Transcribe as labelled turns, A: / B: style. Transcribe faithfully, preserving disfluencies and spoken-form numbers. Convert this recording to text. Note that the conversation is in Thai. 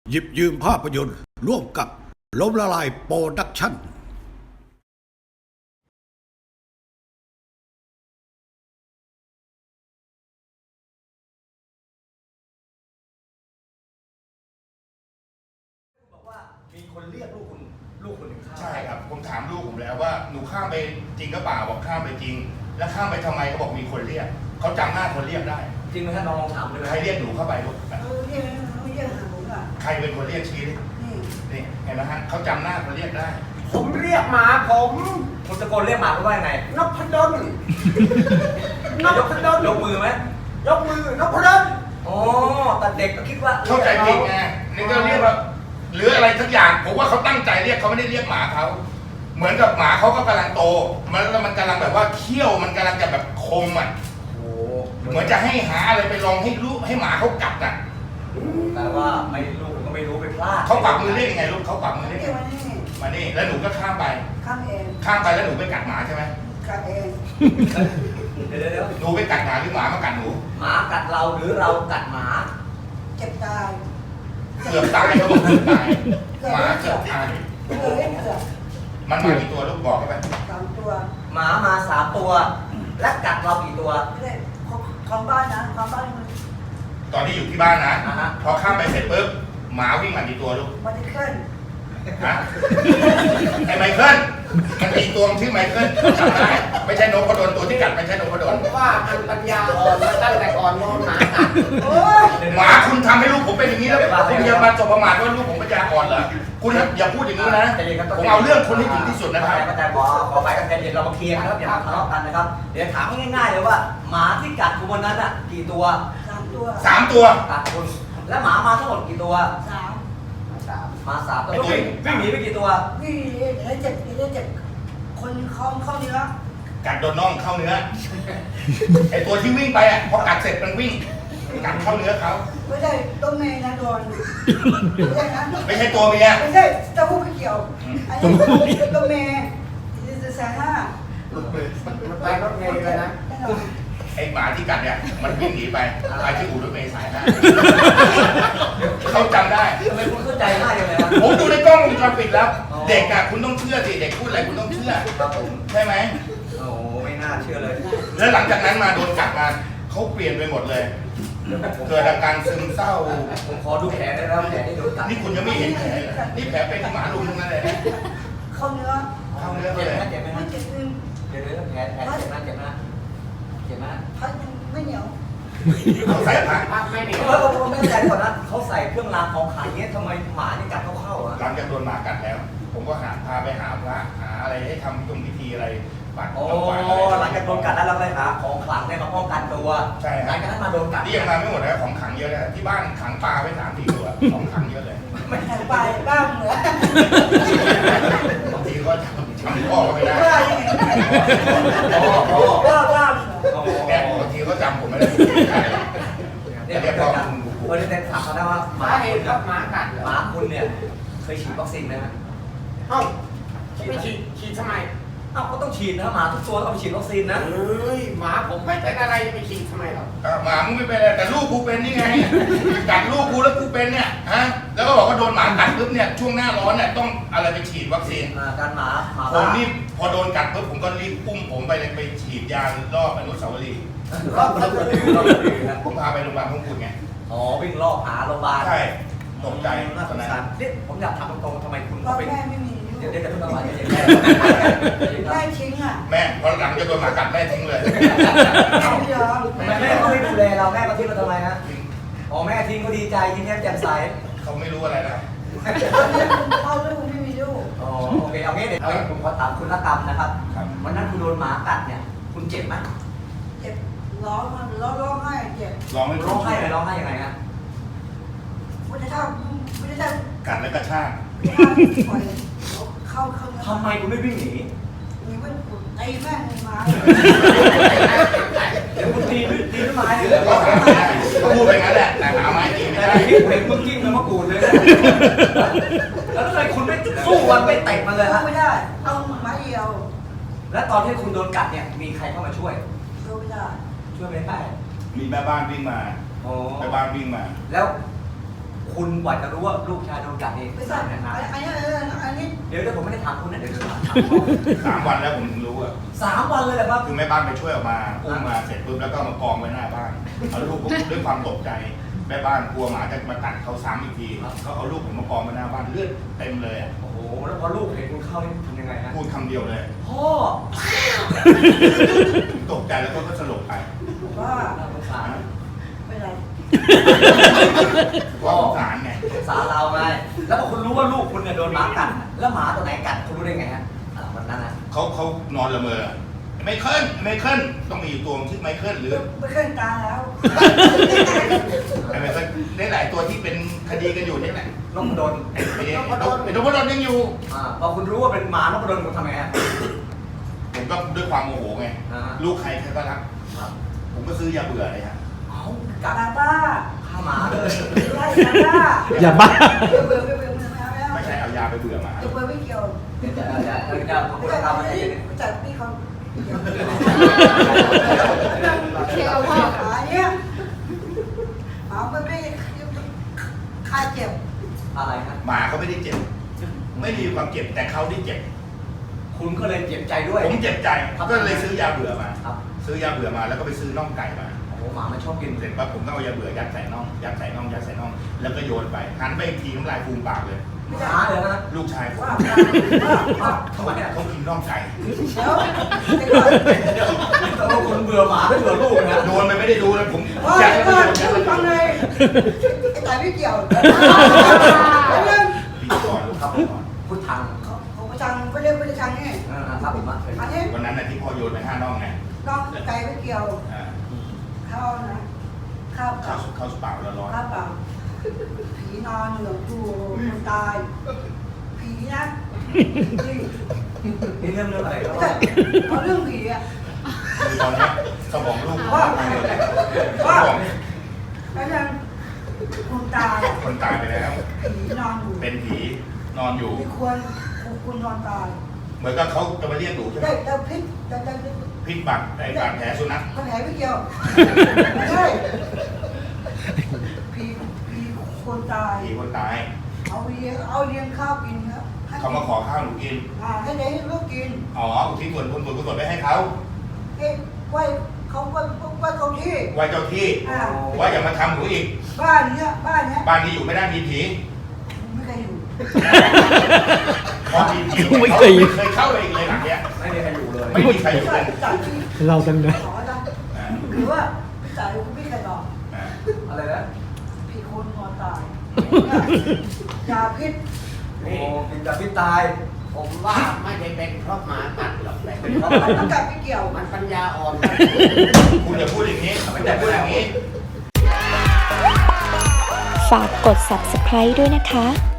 A: หยิบยืมภาพยนตร์ร่วมกับล้มละลายโปรดักชั่น
B: บอกว่ามีคนเรียกลูกคุณลูกคนหนึ่งข้าม
C: ใช่ครับผมถามลูกผมแล้วว่าหนูข้ามไปจริงก็เปล่าบอกข้ามไปจริง แล้วข้ามไปทำไมเขาบอกมีคนเรียกเขาจำหน้าคนเรียกได้
B: จริงไหมท่านลองถามเลย
C: ใครเรียกหนูเข้าไปลูก
D: เออเรียกเรียกหาผมอ่ะ
C: ใครเป็นคนเรียกชี้ดิ
D: นี่
C: นี่เห็นไหมฮะเขาจำหน้าคนเรียกได้
E: ผมเรียกหมาผม
B: คุณตะโกนเรียกหมาเขาว่ายังไง
E: นพดลนพดล
B: ยกมือไหม
E: ยกมือนพดล
B: อ๋อแต่เด็กก็คิดว่า
C: เข้าใจผิดไงนี่ก็เรียกว่าหรืออะไรทุกอย่างผมว่าเขาตั้งใจเรียกเขาไม่ได้เรียกหมาเขาเหมือนกับหมาเขาก็กำลังโตมันแล้วมันกำลังแบบว่าเขี้ยวมันกำลังจะแบบคมอ่ะ
B: โอ้
C: เหมือนจะให้หาอะไรไปลองให้ลูกให้หมาเขากัดอ่ะ
B: แต่ว่าไม่ลูกผมก็ไม่รู้ไปพลาด
C: เขาปักมือเรียกยังไงลูกเขาปักมือเรียก
D: เรียกมานี่
C: มานี่แล้วหนูก็ข้ามไป
D: ข้ามเอง
C: ข้ามไปแล้วหนูไปกัดหมาใช่ไหม
D: กัดเอง
B: เดี๋ยวเดี๋ยวเดี๋ยว
C: หนูไปกัดหมาหรือหมามากัดหนู
B: หมากัดเราหรือเรากัดหมา
D: เจ็บตาย
C: เกือบตายเขาบอกเกือบตายหมาเกือบตาย
D: เกือบเล่นเกือบ
C: มันมากี่ตัวลูกบอกเขาไป
D: สามตัว
B: หมามาสามตัว และกัดเรากี่ตัว
D: ไม่ได้ของของบ้านนะของบ้านมัน
C: ตอนที่อยู่ที่บ้านนะ
B: อ่าฮะ
C: พอข้ามไปเสร็จปุ๊บหมาวิ่งมากี่ตัวลูก
D: มันจะขึ้น
C: ฮะไอ้ไมเคิลมันมีตัวชื่อไมเคิลจำได้ไม่ใช่นกกระโดนตัวที่กัดไม่ใช่นกกระโด
E: ผ
C: น
E: มว่ามันปัญญาอ่อนมาตั้งแต่ก่อนนอนหมากัด
D: โอ้ย
C: หมาคุณทำให้ลูกผมเป็นอย่างนี้แล้วคุณจะมาจบประมาทว่าลูกผมปัญญาอ่อนเหรอคุณอย่าพูดอย่างนี้นะผมเอาเรื่องคุณให้ถึงที่สุดนะครับ
B: แต่ขอขอไปกันเดี๋ยวเรามาเคลียร์กันครับอย่ามาทะเลาะกันนะครับเดี๋ยวถามง่ายๆเลยว่าหมาที่กัดคุณวันนั้นอ่ะกี่ตัว
D: สามตัว
C: สามตัว
B: กัดคุณและหมามาทั้งหมดกี่ตัว
D: สาม
E: สาม
B: มาสามตัววิ่งวิ่งหนีไปกี่ตัว
D: วิ่งได้เจ็บได้เจ็บคนเข้าเข้าเนื้อ
C: กัดโดนน่องเข้าเนื้อไอตัวที่วิ่งไปอ่ะพอกัดเสร็จมันวิ่งกัดเข้าเนื้อเขา
D: ไม่ใช่ต้นเมย์นะโดนไม่ใช่นะ
C: ไม่ใช่ตัวเมีย
D: ไม่ใช่เต้าหู้ไม่เกี่ยวอันนี้ต้นเมย์จะแสนห้า
E: มันไปรถเมล์เลยนะ
D: แน่นอน
C: ไอหมาที่กัดเนี่ยมันวิ่งหนีไปไปที่อู่รถเมล์สายห้าเขาจำได้
B: ทำไมคุณเข้าใจง่ายจังเลยครับ
C: ผมดูในกล้องวงจรปิดแล้ว
B: อ๋อ
C: เด็กอะคุณต้องเชื่อสิเด็กพูดอะไรคุณต้องเชื่อ
B: ครับผม
C: ใช่ไหม
B: โอ้โหไม่น่าเชื่อเลย
C: แล้วหลังจากนั้นมาโดนกัดมาเขาเปลี่ยนไปหมดเลย เกิดอาการซึมเศร้า
B: ผมขอดูแผลได้แล้วแผลที่โดนกัด
C: นี่คุณยังไม่เห็นแผลเลยนี่แผลเป็นที่หมาลุมทั้งนั้นเลยนะ
D: เข้าเนื้อ
C: เข้าเนื้อ
B: เจ็บ
C: เลย
B: ไหมเจ็บไหม
D: ไม่
B: ฮะ
D: เจ็บนึง
B: เดี๋ยวเดี๋ยวแผลแผลเจ็บไหมเจ็บไหมเจ็บไหม
D: พัดยังไม่เหนียว
C: เขาใส่ผ้า
E: ภาพไม่ดี
B: เออผมไม่เข้าใจก่อนนะเขาใส่เครื่องรางของขลังเนี้ยทำไมหมาเนี่ยกัดเข้าเข้าอ่ะ
C: หลังจากโดนหมากัดแล้ว ผมก็หาพาไปหาพระหาอะไรให้ทำตรงพิธีอะไรปัด
B: โอ้
C: น้ำหวานอะไร
B: หลังจากโดนกัดแล้วเราไปหาของขลังเนี่ยมาป้องกันตัว
C: ใช่ครับ
B: หลังจากนั้นมาโดนกัด
C: นี่ยังมาไม่หมดนะของขังเยอะนะที่บ้านขังปลาไว้สามสี่ตัวของขังเยอะเลย
D: แต่ปลายบ้างเหมือน
C: บางทีก็ทำทำพ่อก็ไม่ได้
D: ว่ายังไง
B: อ๋ออ๋อ
D: ว่าว่า
B: อ๋อ
C: เนี่ยบางทีก็จำผมไม่ได้
B: เนี่ยเรียกพ่อเออเดี๋ยวถามเขาได้ว่าห
E: สา
B: มา
E: เห
B: คุ
E: ตุ
B: ณ
E: ก็หมากัดเหรอ
B: หมาคุณเนี่ยเคยฉีดวัคซีนไหมฮะ
E: เอ้าไม่ฉีดฉีดทำไม
B: เอ้าก็ต้องฉีดนะหมาทุกตัวต้องไปฉีดวัคซีนนะ
E: เอ้ยหมาผมไม่เป็นอะไรจะไปฉีดทำไมหรอก
C: หมามึงไม่เป็นไรแต่ลูกกูเป็นนี่ไงกัดลูกกูแล้วกูเป็นเนี่ยฮะแล้วก็บอกว่าโดนหมากัดปุ๊บเนี่ยช่วงหน้าร้อนเนี่ยต้องอะไรไปฉีดวัคซีน
B: อ่าการหมาหมา
C: ผม
B: บ้า
C: นี่พอโดนกัดปุ๊บผมก็รีบปุ้มผมไปเลยไปฉีดยารอบอนุสาวรีย์
B: รอบรอบรอบนะ
C: ผมพาไปโรงพยาบาลพงกุฎไง
B: อ๋อวิ่งรอบหาโรงพยาบาล
C: ใช่ตกใจ
B: น่าส
C: ตอน
B: ง
C: นั้น
B: สารเนี่ยผมอยากถามตรงๆทำไมคุณ
D: พ่อ
B: เป็น
D: แม่ไม่มี
B: เดี๋ยวเดี๋ยวจะพูดประมาณนี้
D: แม่ทิ้งอ่ะ
C: แม่พอหลังจะโดนหมากัดแม่ทิ้งเลย
D: ไม่ยอม
B: ทำไมแม่เขาไม่ดูแลเราแม่มาทิ้งเราทำไมฮะอ๋อแม่ทิ้งก็ดีใจยิ้มแย้มแจ่มใส
C: เขาไม่รู้อะไรแล้ว
D: พ่อลูกไม่มีลูก
B: อ๋อโอเคเอางี้เดี๋ยวเอางี้ผมขอถามคุณละกรรมนะครับ
C: ครับ
B: วันนั้นคุณโดนหมากัดเนี่ยคุณเจ็บไหม
D: เจ็บร้องร้องร้องไห้เจ็บ
C: ลองไม่
B: ร้องไห้เลยร้องไห้ยังไงฮะ
D: ไม่ได้ทำไม่ได้ท
C: กัดแล้วก็ชาก
D: ำไม่ได้ปล่อยเข้าเข้า
B: ทำไมคุณไม่วิ่งหนี
D: มีเพื่อนไอ้แม่งมา
B: เดี๋ยวคุณตีด้วยตีด้วยไม้เลย
C: ก็หาไม่ได้ก็พูดไปงั้นแหละแต่หาไม้ตีไม่
B: แต่
C: ได้
B: ในคลิปเห็นมึงกิ้งเลยมะกรูดเลยนะแล้วทำไมคุณไม่สู้วันไม่เตะมันเลยฮะ
D: ไม่ได้เอาไม้เดียว
B: แล้วตอนที่คุณโดนกัดเนี่ยมีใครเข้ามาช่วย
D: ดูไม่ได้
B: ช่วยไม่ได้
C: มีแม่บ้านวิ่งมา
B: โอ้
C: แม่บ้านวิ่งมา
B: แล้วคคุณกว่าจะรู้ว่าลูกชายโดนกัดเอง
D: ไม่ทราบ
B: นาน
D: อันนี้อันนี้
B: เดี๋ยวเดี๋ยวผมไม่ได้ถามคุณนะเดี๋ยวจะถามเขา
C: สามวันแล้วผมถึงรู้อะ
B: สามวันเลยเหรอครับ
C: คือแม่บ้านไปช่วยออกมาอุ้มมาเสร็จปุ๊บแล้วก็มากองไว้หน้าบ้านเอาลูกผมด้วยความตกใจแม่บ้านกลัวหมาจะมากัดเขาซ้ำอีกทีเขาเอาลูกผมมากองไว้หน้าบ้านเลือดเต็มเลยอะ
B: โอ้โหแล้วพอลูกเห็นคุณเข้านี่ทำยังไงฮะ
C: พูดคำเดียวเลย
B: พ่อ
C: ตกใจแล้วก็สลบไป
D: บอกว่า
B: น่าสงสาร
D: ไม่ไร
C: ก็สงสารไง
B: สงสารเราไงแล้วพอคุณรู้ว่าลูกคุณเนี่ยโดนหมากัดแล้วหมาตัวไหนกัดคุณรู้ได้ไงฮะอ่าวันนั้นนะ
C: เขาเขานอนละเมอไมเคิลไมเคิลต้องมีอยู่ตัวชื่อไมเคิลหรือ
D: ไม่เคยตายแล้ว
C: ไอ้ไมเคิลได้หลายตัวที่เป็นคดีกันอยู่นี่แหละ
B: นกโดน
C: ไอ้ไอ้นกไอ้นกพดลยังอยู่
B: อ่าพอคุณรู้ว่าเป็นหมานกโดนคุณทำไงฮะ
C: ผมก็ด้วยความโมโหไง
B: อ่า
C: ลูกใครใครก็รัก
B: ครับ
C: ผมก็ซื้อยาเบื่อเลยฮะ
B: เอากั
D: กา
B: ด
D: บ้า
B: ข้าหมาเลย
D: ไล่กาบ้า
F: อย่าบ้า
D: เบื่อเบื่อเบื่อเบื่อไม่เอาแล้ว
C: ไม่ใช่เอายาไปเบื่อหมา
D: เบื่อไม่เกี่ยว
B: เดี๋ยวจะเดี๋ยวจะเดี๋ยวจะขอบ
D: ไม่
B: คุณ
D: ใช่
B: ครับ
D: ไม่
B: ไม่
D: ใช่
B: ใช่
D: ไม่ใช่พี่เขา
E: เชียวพ่อ
D: ขาเนี่ยหมาไม่ได้คาเจ็บ
B: อะไรฮะ
C: หมาเขาไม่ได้เจ็บ ไม่ได้มีความเจ็บแต่เขาได้เจ็บ
B: คุณก็เลยเจ็บใจด้วย
C: ผมเจ็บใจก็เลยซื้อยาเบื่อมา
B: ครับ
C: ซื้อยาเบื่อมาแล้วก็ไปซื้อน่องไก่มา
B: โอ้โหหมามันชอบกิน
C: เสร็จปั๊บผมก็เอายาเบื่อยัดใส่น่องยัดใส่น่องยัดใส่น่องแล้วก็โยนไปหันไปอีกทีน้ำลายฟูมปากเลย
B: หมาเลยนะ
C: ลูกชายผม
D: ว่า
B: อ้าวทำไมอ่ะ
C: เขากินน่องไก่
D: แล้วไอ้ก่อน
B: ต้องคนเบื่อหมาไม่เบื่อลูกนะ
C: โดนไปไม่ได้ดูเลยผม
D: ว่า
C: ยัด
D: ไอ้
C: ไป
D: ก่อน
C: ยัดไป
D: ฟังเลยไอ้ตายไม่เกี่ยวแล้วเรื่อง
C: ปีก่อนลูกครับก่อน
B: พูดทาง
D: เขาเขาประชังไม่เรียกประชังนี่
B: อ่าครับผมมาเคย
D: อันนี้
C: วันนั้นน่ะที่พ่อโยนไปห้าน่องไง
D: น้องไก่ไม่เกี่ยว
C: อ่า
D: ข้าวนะข้าว
C: ข้า
D: เปล่าว
C: ข้าวสเปล่าแล้วร้อน
D: ข้าวเปล่าผีนอนอยู่ดูคนตายผีนะจริง
B: นี่เรื่องเรื่องอะไรครับ
D: ไม่ใช่เอาเรื่องผีอะ
C: คือตอนนี้สมองลูก
D: ว่า
C: ส
D: ว่าม
C: อง
D: แล้วยังคนตายอะ
C: คนตายไปแล้ว
D: ผีนอนอยู่
C: เป็นผีนอนอยู่
D: ไม่ควรคุณนอนตาย
C: เหมือนกับเขาจะมาเรียกหนูใช่ไหม
D: ได้แต่พิษแต่แต่
C: พิษบัตรไอ้บาดแผลสุนัข
D: เขาแผลไม่เกี่ยวไม่ใช่ผีผีคนตาย
C: ผีคนตาย
D: เอาเลี้ยงเอาเลี้ยงข้าวกินครับให้
C: เขามาขอข้าวหนูกิน
D: อ่าให้ได้ให้ลูกกิน
C: อ๋ออุทิศส่วนบุญส่วนกุศลไปให้เขา
D: เอ๊ะไหวเขาไหวไหวเขาที่
C: ไว้เจ้าที่
D: อ่า
C: ว่าอย่ามาทำหนูอีก
D: บ้านเนี้ยบ้านเนี้ย
C: บ้านที่อยู่ไม่ได้มีผี
D: ไม่เคยอยู่
C: พอมีผี
F: ไม่
C: เขา
F: เคย
C: ไม่เคยเข้าเลยอีกเลยหลังเนี้ย
B: ไม่มีใครอยู่เลย
C: ไม่มีใครอยู่
D: จ่า
C: เลย ย
D: จ่ายที่
F: เรากันนะ
D: ขอนะ
C: อ่า
D: หรือว่าพี่จ่ายพี่ใครบอก
C: อ่า
B: อะไรนะ
D: พี่คนนอนตายยาพิษ
B: โอ้กินกับพี่ตาย
E: ผมว่าไม่ได้เป็นเพราะหมากัดหรอกแต่เป็นเพราะ
D: มันต้องกัดไม่เกี่ยว
E: มันปัญญาอ่อน
C: คุณอย่าพูดอย่างนี้คุณอย่าพูดอย่างนี้
G: ฝากกด ซับสไครบ์ ด้วยนะคะ